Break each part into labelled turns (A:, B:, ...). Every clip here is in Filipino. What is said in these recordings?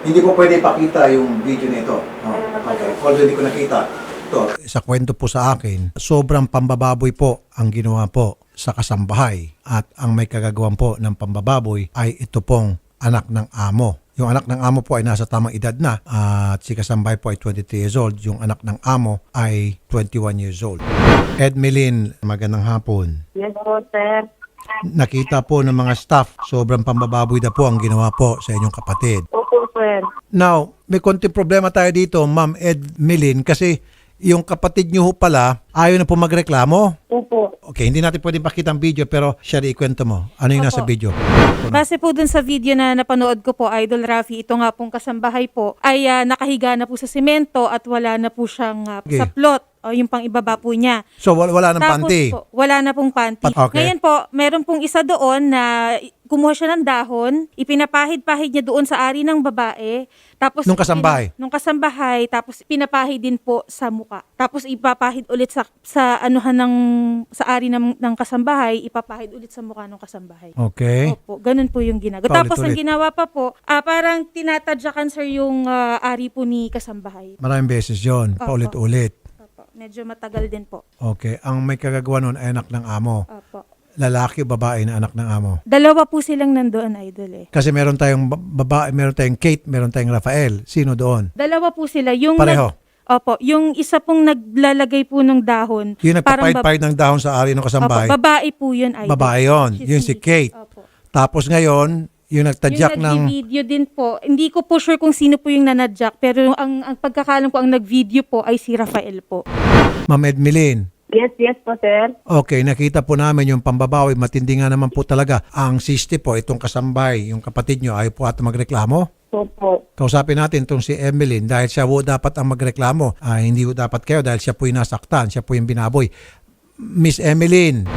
A: Hindi ko pwede ipakita yung video nito. Oh, okay. Although hindi ko nakita. Ito. Sa kwento po sa akin, sobrang pambababoy po ang ginawa po sa kasambahay. At ang may kagagawan po ng pambababoy ay ito pong anak ng amo. Yung anak ng amo po ay nasa tamang edad na at si kasambahay po ay 23 years old. Yung anak ng amo ay 21 years old. Edmeline, magandang hapon.
B: Yes po, sir.
A: Nakita po ng mga staff, sobrang pambababoy na po ang ginawa po sa inyong kapatid.
B: Opo, sir.
A: Now, may konting problema tayo dito, Ma'am Edmeline, kasi yung kapatid niyo ho pala, ayaw na po magreklamo.
B: Opo.
A: Okay, hindi natin pwedeng pakita ang video, pero siya ikwento mo. Ano yung nasa
C: Opo.
A: video?
C: Base po dun sa video na napanood ko po, Idol Rafi, ito nga pong kasambahay po, ay nakahiga na po sa simento at wala na po siyang
A: Okay.
C: sa plot o yung pang ibaba po niya.
A: So, wala ng
C: Tapos
A: panty.
C: po, wala na pong panty.
A: Okay.
C: Ngayon po, meron pong isa doon na kumuha siya ng dahon, ipinapahid-pahid niya doon sa ari ng babae. Tapos
A: Nung kasambahay?
C: Nung kasambahay, tapos pinapahid din po sa muka. Tapos ipapahid ulit sa anuhan ng sa ari ng kasambahay, ipapahid ulit sa mukha ng kasambahay.
A: Okay.
C: Opo, ganun po yung ginagawa. Tapos ang
A: Paulit-ulit.
C: ginawa pa po, parang tinatadyakan sir yung ari po ni kasambahay.
A: Maraming beses yun.
C: Opo.
A: Paulit-ulit.
C: Opo, medyo matagal din po.
A: Okay. Ang may kagagawa nun ay anak ng amo.
C: Opo.
A: Lalaki o babae na anak ng amo.
C: Dalawa po silang nandoon, Idol eh.
A: Kasi meron tayong babae, meron tayong Kate, meron tayong Rafael. Sino doon?
C: Dalawa po sila. Yung
A: Pareho?
C: Opo, yung isa pong naglalagay po ng dahon.
A: Yung
C: parang
A: nagpapahid-pahid ng dahon sa ari ng
C: Opo,
A: kasambahay.
C: babae po yun, Idol.
A: Babae yun.
C: She's
A: Yun si
C: Miss.
A: Kate.
C: Opo.
A: Tapos ngayon, yung nagtadyak
C: Yung
A: ng...
C: nag-video din po, hindi ko po sure kung sino po yung nanadyak, pero ang pagkakalam ko, ang nag-video po ay si Rafael po.
A: Ma'am Edmeline.
B: Yes po, sir.
A: Okay, nakita po namin yung pambabawi. Matindi nga naman po talaga. Ang sister po, itong kasambay, yung kapatid nyo, ayaw po ata magreklamo.
B: Opo.
A: Kausapin natin itong si Emeline dahil siya po dapat ang magreklamo. Hindi po dapat kayo dahil siya po yung nasaktan, siya po yung binaboy. Miss Emeline,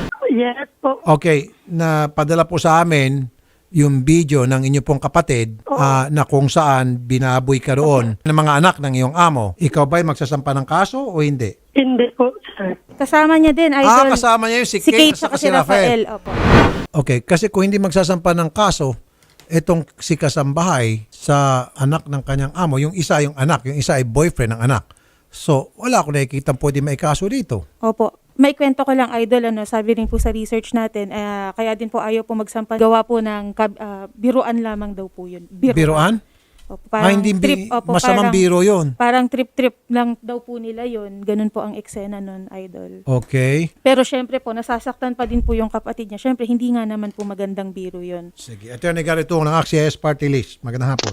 B: Yes po.
A: okay, napadala po sa amin yung video ng inyo pong kapatid na kung saan binaboy ka roon ng mga anak ng iyong amo. Ikaw ba'y magsasampa ng kaso o hindi?
B: Hindi po, sir.
C: Kasama niya din, Idol.
A: Kasama niya yung si
C: Si
A: Kate
C: Kate
A: at
C: at
A: si
C: si
A: Rafael.
C: Rafael. Opo.
A: Okay, kasi kung hindi magsasampa ng kaso, itong si kasambahay sa anak ng kanyang amo, yung isa yung anak, yung isa ay boyfriend ng anak. So, wala akong nakikita pwede may kaso dito.
C: Opo. May kwento ko lang, Idol, sabi rin po sa research natin, kaya din po ayaw po magsampa. Gawa po ng biruan lamang daw po yun.
A: Biruan?
C: Opo, parang
A: Hindi
C: trip. Opo,
A: masamang biro yun.
C: Parang trip-trip lang daw po nila yun. Ganun po ang eksena nun, Idol.
A: Okay.
C: Pero syempre po, nasasaktan pa din po yung kapatid niya. Syempre, hindi nga naman po magandang biro yun.
A: Sige. Attorney Garrett ng AXIS Party List. Magandang hapon.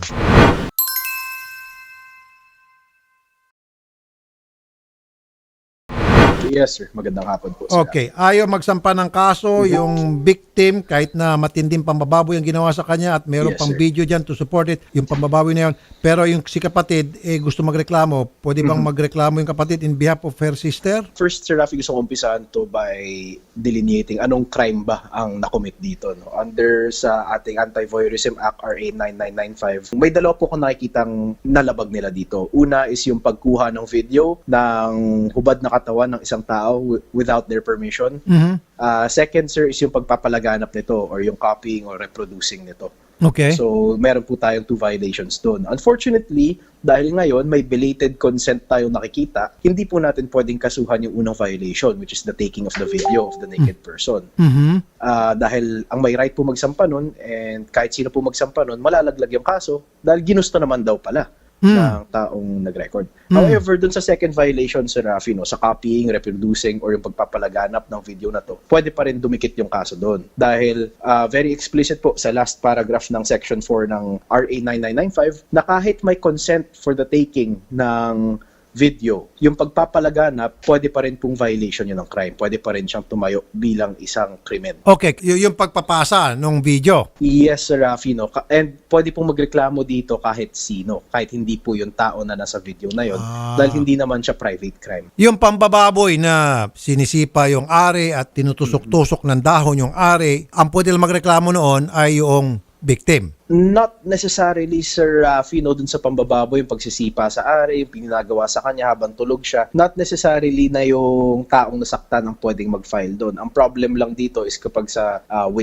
D: Yes, sir. Magandang hapon po, sir.
A: Okay. Ayaw magsampa ng kaso yung victim kahit na matinding pambababoy ang ginawa sa kanya at meron
D: Yes,
A: pang
D: sir.
A: video dyan to support it, yung pambababoy na yun. Pero yung si kapatid, gusto magreklamo. Pwede bang magreklamo yung kapatid in behalf of her sister?
D: First, Sir Rafi, gusto kong umpisahan to by delineating anong crime ba ang nakomit dito. No? Under sa ating Anti-Voyeurism Act RA 9995, may dalawa po kung nakikitang nalabag nila dito. Una is yung pagkuha ng video ng hubad na katawan ng isang tao without their permission. Second, sir, is yung pagpapalaganap nito or yung copying or reproducing nito.
A: Okay.
D: So, meron po tayong 2 violations doon. Unfortunately, dahil ngayon may belated consent tayo nakikita, hindi po natin pwedeng kasuhan yung unang violation, which is the taking of the video of the naked person. Dahil ang may right po magsampa nun, and kahit sino po magsampa nun, malalaglag yung kaso dahil ginusto naman daw pala ng taong nag-record. However, dun sa second violation, Sir Rafi, no, sa copying, reproducing, or yung pagpapalaganap ng video na to, pwede pa rin dumikit yung kaso doon. Dahil very explicit po sa last paragraph ng Section 4 ng RA 9995 na kahit may consent for the taking ng video, yung pagpapalaganap, pwede pa rin pong violation yun ng crime. Pwede pa rin siyang tumayo bilang isang krimen.
A: Okay. Yung pagpapasa ng video.
D: Yes, Sir Rafi, no? And pwede pong magreklamo dito kahit sino, kahit hindi po yung tao na nasa video na yon, dahil hindi naman siya private crime.
A: Yung pambababoy na sinisipa yung ari at tinutusok-tusok ng dahon yung ari, ang pwede lang magreklamo noon ay yung victim.
D: Not necessarily, Sir Rafi, no, dun sa pambababoy, yung pagsisipa sa ari, yung pinagawa sa kanya habang tulog siya. Not necessarily na yung taong nasaktan ang pwedeng mag-file doon. Ang problem lang dito is kapag sa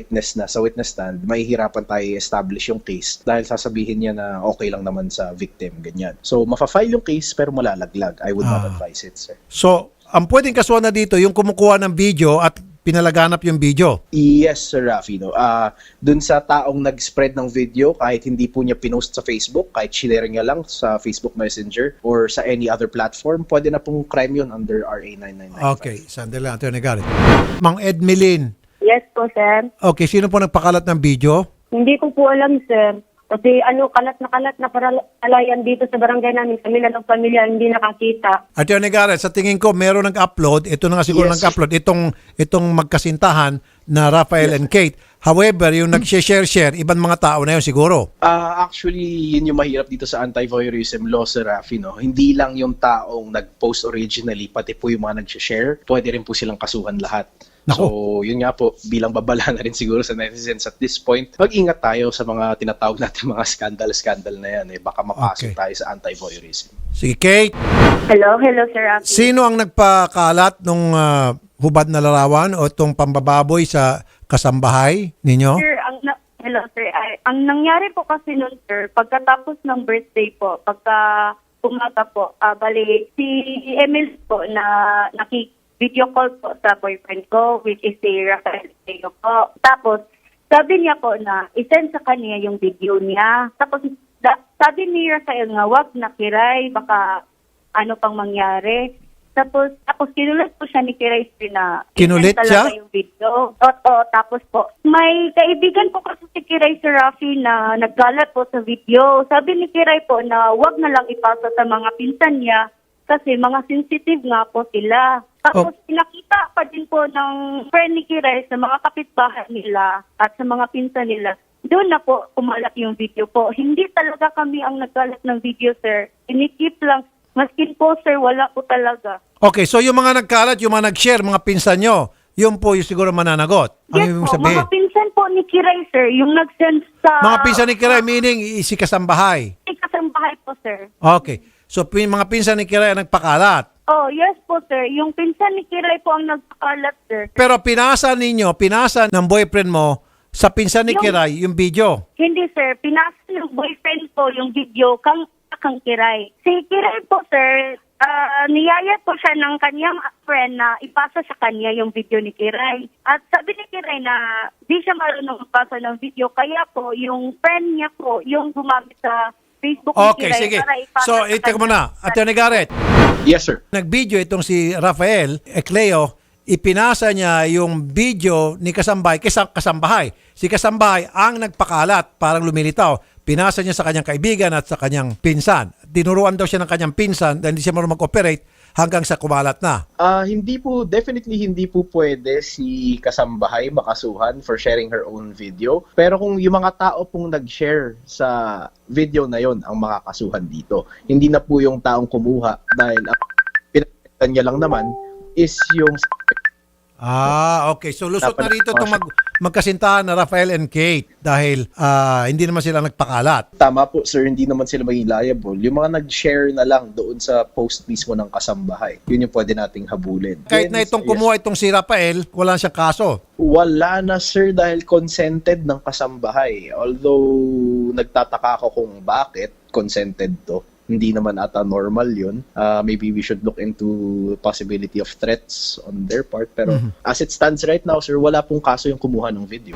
D: sa witness stand, mahihirapan tayo i-establish yung case dahil sasabihin niya na okay lang naman sa victim, ganyan. So, mafa-file yung case pero malalaglag. I would not advise it, sir.
A: So, ang pwedeng kasuhan na dito, yung kumukuha ng video at pinalaganap yung video.
D: Yes, Sir Rafi. No? Dun sa taong nag-spread ng video, kahit hindi po niya pinost sa Facebook, kahit share niya lang sa Facebook Messenger or sa any other platform, pwede na pong crime yun under RA 9995.
A: Okay, sandali lang, Atty. Garrett. Mang Edmeline,
B: Yes po, sir.
A: okay, sino po nagpakalat ng video?
B: Hindi ko po alam, sir. Kasi kalat na paralayan dito sa barangay namin. Kami na ng pamilya hindi nakakita.
A: Atty. Garrett, sa tingin ko, meron nag-upload, ito na nga siguro
D: Yes.
A: nag-upload, itong magkasintahan na Rafael and Kate. However, yung nag-share, ibang mga tao na yun siguro.
D: Actually, yun yung mahirap dito sa anti-voyeurism law, Sir Rafi. No? Hindi lang yung taong nag-post originally, pati po yung mga nag-share, pwede rin po silang kasuhan lahat.
A: Nako.
D: So, yun nga po, bilang babala na rin siguro sa netizens at this point, mag-ingat tayo sa mga tinatawag natin mga scandal na yan. Baka mapasok
A: Okay.
D: tayo sa anti-voyeurism.
A: Sige, Kate,
B: Hello, Sir Rafi.
A: sino ang nagpakalat nung hubad na larawan o itong pambababoy sa kasambahay ninyo?
B: Sir, hello, sir. Ang nangyari po kasi noon, sir, pagkatapos ng birthday po, pagka umaga po, bali, si Emil po na video call po sa boyfriend ko, which is si Rafael Teo po. Tapos, sabi niya po na isend sa kanya yung video niya. Tapos, sabi ni Rafael nga, wag na Kiray, baka ano pang mangyari. Tapos kinulit po siya ni Kiray na
A: Kinulit
B: isend talaga
A: siya?
B: yung video. Oo, tapos po, may kaibigan po kasi si Kiray, Sir Rafi, na naggalat po sa video. Sabi ni Kiray po na wag na lang ipasa sa mga pinsan niya kasi mga sensitive nga po sila. Tapos pinakita pa din po ng friend ni Kiray sa mga kapitbahay nila at sa mga pinsan nila. Doon na po kumalat yung video po. Hindi talaga kami ang naggalat ng video, sir. Inikip lang. Maskin po, sir, wala po talaga.
A: Okay, so yung mga nagkalat, yung mga nag-share, mga pinsan nyo, yun po yung siguro mananagot. Ang
B: Yes
A: ibig
B: po,
A: sabihin.
B: mga pinsan po ni Kiray, sir, yung nag-send sa...
A: Mga pinsan ni Kiray, meaning si kasambahay.
B: Kasambahay po, sir.
A: Okay. So, mga pinsan ni Kiray ang nagpakalat.
B: Oh, yes po, sir. Yung pinsan ni Kiray po ang nagpakalat, sir.
A: Pero pinasa ng boyfriend mo sa pinsan ni Kiray yung video.
B: Hindi, sir. Pinasa ng boyfriend ko yung video kang Kiray. Si Kiray po, sir, niyaya po siya ng kanyang friend na ipasa sa kanya yung video ni Kiray. At sabi ni Kiray na di siya marunong magpasa ng video, kaya po yung friend niya po yung gumamit sa Facebook ni
A: Okay,
B: Kiray
A: sige.
B: para ipasa
A: So,
B: sa
A: itik mo
B: kanya.
A: na. Atty. Garrett,
D: Yes, sir.
A: nag-video itong si Rafael Ecleo, ipinasa niya yung video ni kasambahay, kasambahay. Si kasambahay ang nagpakalat, parang lumilitaw. Pinasa niya sa kanyang kaibigan at sa kanyang pinsan. Dinuruan daw siya ng kanyang pinsan dahil hindi siya marunong mag-operate hanggang sa kumalat na.
D: Definitely hindi po pwede si kasambahay makasuhan for sharing her own video. Pero kung yung mga tao pong nag-share sa video na yon ang makakasuhan dito, hindi na po yung taong kumuha dahil ang pinagkaitan niya lang naman is yung...
A: Okay. So, lusot na
D: Dapat
A: rito itong magkasintahan na Rafael and Kate dahil hindi naman sila nagpakalat.
D: Tama po, sir, hindi naman sila maging liable. Yung mga nag-share na lang doon sa post mismo ng kasambahay, yun yung pwede nating habulin.
A: Kahit na itong kumuha itong si Rafael, wala siyang kaso.
D: Wala na, sir, dahil consented ng kasambahay. Although, nagtataka ako kung bakit consented to. Hindi naman ata normal yun. Maybe we should look into possibility of threats on their part. Pero as it stands right now, sir, wala pong kaso yung kumuha ng video.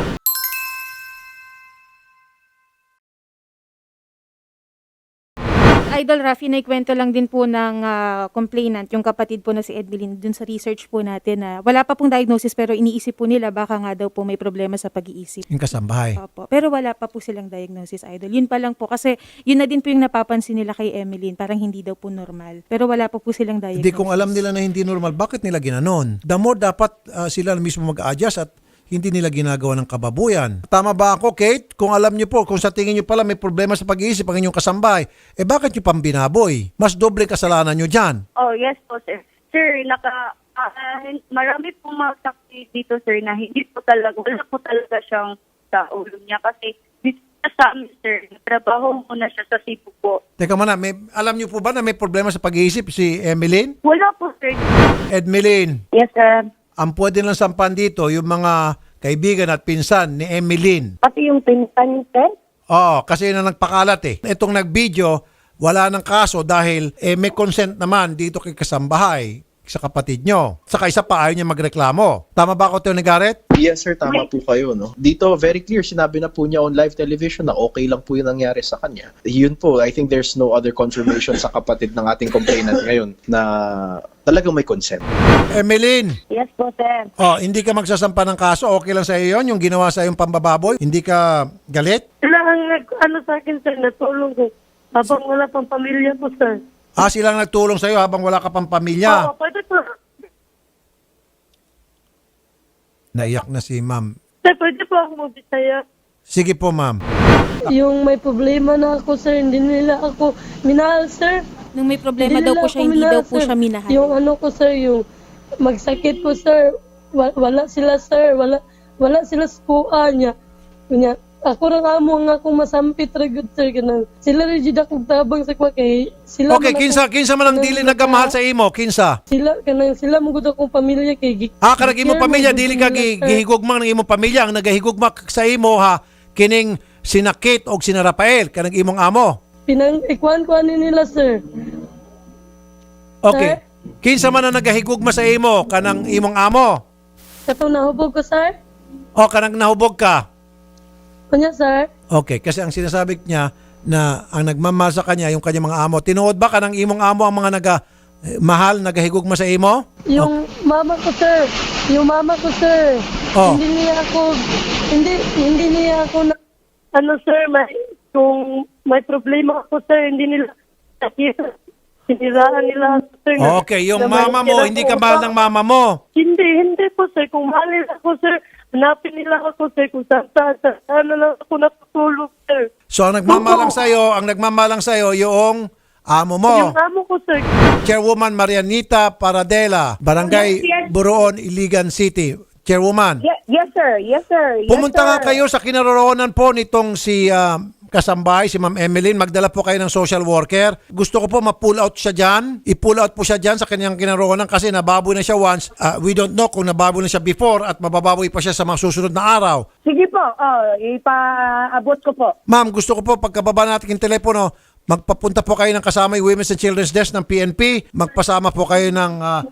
C: Idol Rafi, naikwento lang din po ng complainant, yung kapatid po na si Edmeline, dun sa research po natin na wala pa pong diagnosis pero iniisip po nila baka nga daw po may problema sa pag-iisip.
A: Yung kasambahay.
C: Opo. Pero wala pa po silang diagnosis, Idol. Yun pa lang po kasi yun na din po yung napapansin nila kay Emeline, parang hindi daw po normal. Pero wala pa po silang diagnosis.
A: Hindi, kung alam nila na hindi normal, bakit nila ginanon? The more dapat sila mismo mag-adjust at hindi nila ginagawa ng kababuyan. Tama ba ako, Kate? Kung alam niyo po, kung sa tingin niyo pala may problema sa pag-iisip ang inyong kasambahay, bakit niyo pang binaboy? Mas doble kasalanan niyo dyan.
B: Oh, yes po, sir. Sir, marami pong mga saksi dito, sir, na hindi po talaga, wala po talaga siyang sa ulo niya kasi siya sa amin, sir. Trabaho muna siya sa Cebu po.
A: Teka muna, alam niyo po ba na may problema sa pag-iisip si Emeline?
B: Wala po, sir.
A: Edmeline,
B: Yes, sir.
A: ang pwede lang sampan dito yung mga kaibigan at pinsan ni Emeline.
B: Pati yung pinsan, sir?
A: Oo, kasi yun ang nagpakalat eh. Itong nag-video, wala ng kaso dahil may consent naman dito kay kasambahay sa kapatid nyo. Saka isa pa, ayaw niya magreklamo. Tama ba ako, Tony Garrett?
D: Yes sir, tama po kayo. No? Dito, very clear, sinabi na po niya on live television na okay lang po yung nangyari sa kanya. Yun po, I think there's no other confirmation sa kapatid ng ating complainant ngayon na talagang may consent.
A: Emeline,
B: Yes po, sir.
A: hindi ka magsasampa ng kaso, okay lang sa iyo yun, yung ginawa sa yung pambababoy? Hindi ka galit?
B: Sila ang sa akin, sir, natulong ko. Habang wala pang pamilya po, sir.
A: Silang nagtulong sa iyo habang wala ka pang pamilya.
B: Oo, pwede po.
A: Naiyak na si ma'am.
B: Sir, pwede po ako magbisaya.
A: Sige po, ma'am.
E: Yung may problema na ako, sir, hindi nila ako minahal, sir.
C: Nung may problema daw
E: nila
C: po
E: ako
C: siya, hindi
E: minahal,
C: daw po
E: sir.
C: siya minahal.
E: Yung ano ko, sir, yung magsakit po, sir. Wala sila, sir. Wala sila sa kuha niya. Kunya, ako rin amo nga akong masampit ragod, sir. Ganun. Sila rin jud akong tabang sa kwa kay sila.
A: Okay, kinsa man ang dili nagamahal sa imo, kinsa?
E: Sila mo gud akong pamilya kay
A: Karag imo pamilya, dili ka gihigugma ng imong pamilya. Ang nagahigugma sa imo ha, kining sinakit o sina Rafael, kanang imong amo.
E: Ikuan nila, sir.
A: Okay. Kinsa man ang nagahigugma sa imo, kanang imong amo?
E: Katong nahubog ko, sir.
A: O kanang nahubog ka?
E: Kunya, sir.
A: Okay, kasi ang sinasabi niya na ang nagmamahal sa kanya yung kanyang mga amo. Tinuod ba kanang imong amo ang mga mahal, nagahigugma sa imo?
E: Yung mama ko, sir. Yung mama ko, sir.
A: Oh.
E: Hindi niya ako na, ano, sir, kung may problema ako, sir, hindi nila siniraan nila, sir.
A: Okay, yung mama mo, hindi ka mahal ng mama mo.
E: Hindi po, sir. Kung mahal nila ako, sir, hanapin nila ako, sir, kung saan na lang ako natutulog, sir.
A: So ang nagmamalang sa iyo yung amo mo.
E: Yung amo ko, sir.
A: Chairwoman Marianita Paradela, Barangay Buroon, Iligan City. Chairwoman.
B: Yes, sir. Yes, sir. Yes,
A: Pumunta nga
B: sir.
A: kayo sa kinaroroonan po nitong si kasambahay, si Ma'am Emeline. Magdala po kayo ng social worker. Gusto ko po ma-pull out siya dyan. I-pull out po siya dyan sa kanyang kinaroroonan kasi nababoy na siya once. We don't know kung nababoy na siya before at mabababoy pa siya sa mga susunod na araw.
B: Sige po. Ipaabot ko po.
A: Ma'am, gusto ko po pagkababa natin yung telepono, magpapunta po kayo ng kasama yung Women's and Children's Desk ng PNP. Magpasama po kayo ng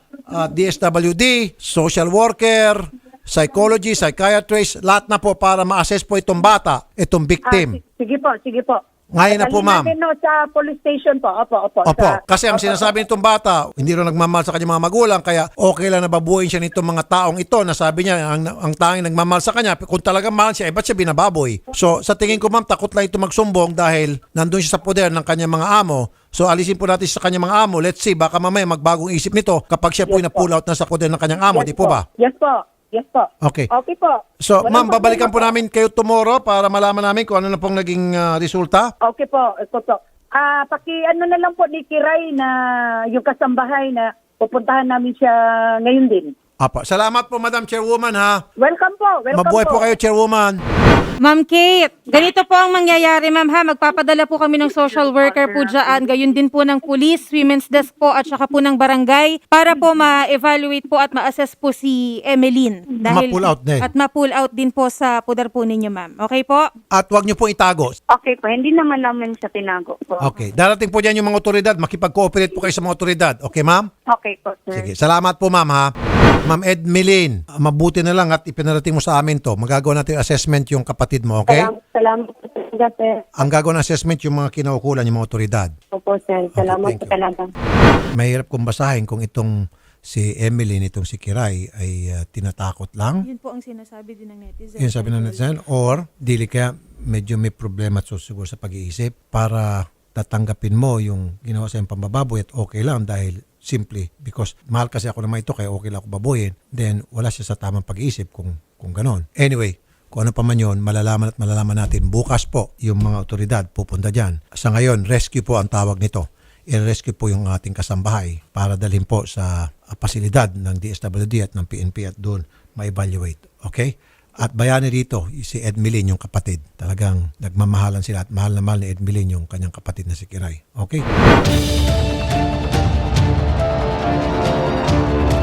A: DSWD, social worker, psychology, psychiatrist, lahat na po para ma-assess po itong bata, itong victim.
B: Sige po.
A: Ngayon na po, ma'am.
B: Natin, sa police station po. Opo.
A: Opo, kasi ang sinasabi nitong bata, hindi rin nagmamahal sa kanyang mga magulang, kaya okay lang na babuhin siya nitong mga taong ito na sabi niya, ang tanging nagmamahal sa kanya, kung talagang mahal siya, ba't siya binababoy? So, sa tingin ko, ma'am, takot lang ito magsumbong dahil nandun siya sa poder ng kanyang mga amo. So, alisin po natin sa kanyang mga amo. Let's see, baka mamaya magbagong isip nito kapag siya po na-pull out na sa poder ng kanyang amo, di po ba?
B: Yes po.
A: Okay.
B: Okay po.
A: So,
B: Walang
A: ma'am, babalikan po
B: problema
A: namin kayo tomorrow para malaman namin kung ano na pong naging resulta.
B: Okay po. Paki-ano na lang po ni Kiray na yung kasambahay na pupuntahan namin siya ngayon din.
A: Apa. Salamat po, Madam Chairwoman, ha.
B: Welcome po.
A: Mabuhay po kayo, Chairwoman.
C: Ma'am Kate, ganito po ang mangyayari, ma'am, ha. Magpapadala po kami ng social worker po dyan. Gayon din po ng police, women's desk po at saka po ng barangay para po ma-evaluate po at ma-assess po si Emeline.
A: Ma-pull out din.
C: At ma-pull out din po sa pudar po ninyo, ma'am. Okay po?
A: At huwag niyo po itago.
B: Okay po. Hindi naman namin siya tinago po.
A: Okay. Darating po dyan yung mga otoridad. Makipag-cooperate po kayo sa mga otoridad. Okay, ma'am?
B: Okay po, sir.
A: Sige. Salamat po, ma'am, ha. Ma'am Edmeline, mabuti na lang at ipinarating mo sa amin to. Magagawa natin yung assessment yung kapatid mo, okay?
B: Salamat po talaga, sir.
A: Ang gagawa ng assessment yung mga kinaukulan, yung mga otoridad.
B: Opo, sir. Salamat
A: thank
B: po
A: you.
B: talaga.
A: Mahirap kong basahin kung itong si Emeline, itong si Kiray ay tinatakot lang.
C: Yun po ang sinasabi din ng netizen.
A: Yun sabi ng netizen. Or, dili kaya medyo may problema at susiguro sa pag-iisip para tatanggapin mo yung ginawa sa iyong pambababoy at okay lang dahil simply because mahal kasi ako naman ito kaya okay lang ako baboyin, then wala siya sa tamang pag-iisip kung ganon. Anyway, kung ano pa man yun, malalaman natin bukas po yung mga otoridad pupunta dyan. Sa ngayon, rescue po ang tawag nito. I-rescue po yung ating kasambahay para dalhin po sa pasilidad ng DSWD at ng PNP at doon ma-evaluate. Okay? At bayani dito, si Edmeline, yung kapatid. Talagang nagmamahalan sila at mahal na mahal ni Edmeline yung kanyang kapatid na si Kiray. Okay?